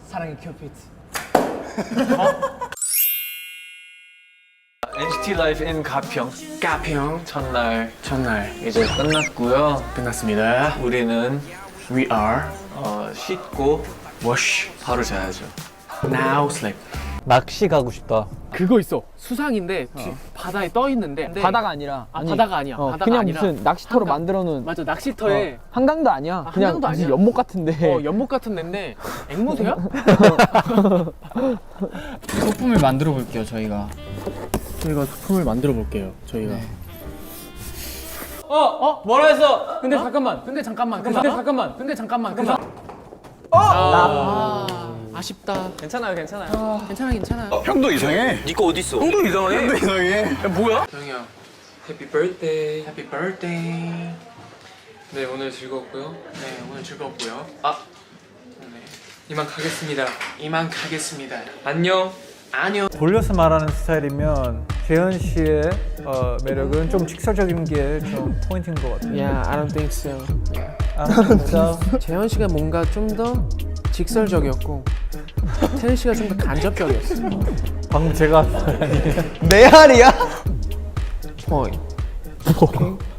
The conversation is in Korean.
사랑의 큐피드. NCT Live in 가평 가평 첫날 첫날 이제 끝났고요. 끝났습니다. 우리는 We are 씻고 wash 바로 자야죠. now sleep. 낚시 가고 싶다. 그거 있어. 수상인데 바다에 떠 있는데 바다가 아니라 바다가 아니야. 바다가 그냥 아니라 무슨 낚시터로 한강. 만들어 놓은 맞아 낚시터에 한강도 아니야. 그냥 한강도 무슨 아니야. 연못 같은데. 연못 같은 데인데 앵무새야? 소품을 만들어 볼게요 저희가. 저희가 소품을 만들어 볼게요. 저희가. 뭐라 했어? 근데 잠깐만. 근데 잠깐만. 근데 잠깐만. 아쉽다. 괜찮아요, 괜찮아요. 괜찮아. 형도 이상해. 니거 어디 있어? 형도 이상해. 형이 형, 해피 birthday. Happy birthday. 네, 오늘 즐거웠고요. 네, 오늘 즐거웠고요. 네, 이만 가겠습니다. 이만 가겠습니다. 안녕. 안녕. 돌려서 말하는 스타일이면 재현 씨의 매력은 좀 직설적인 게 좀 포인트인 것 같아요. Yeah, I don't think so. 그래서 재현 씨가 뭔가 좀 더 직설적이었고 태현 씨가 좀 더 간접적이었어. 방금 제가 메아리야? point.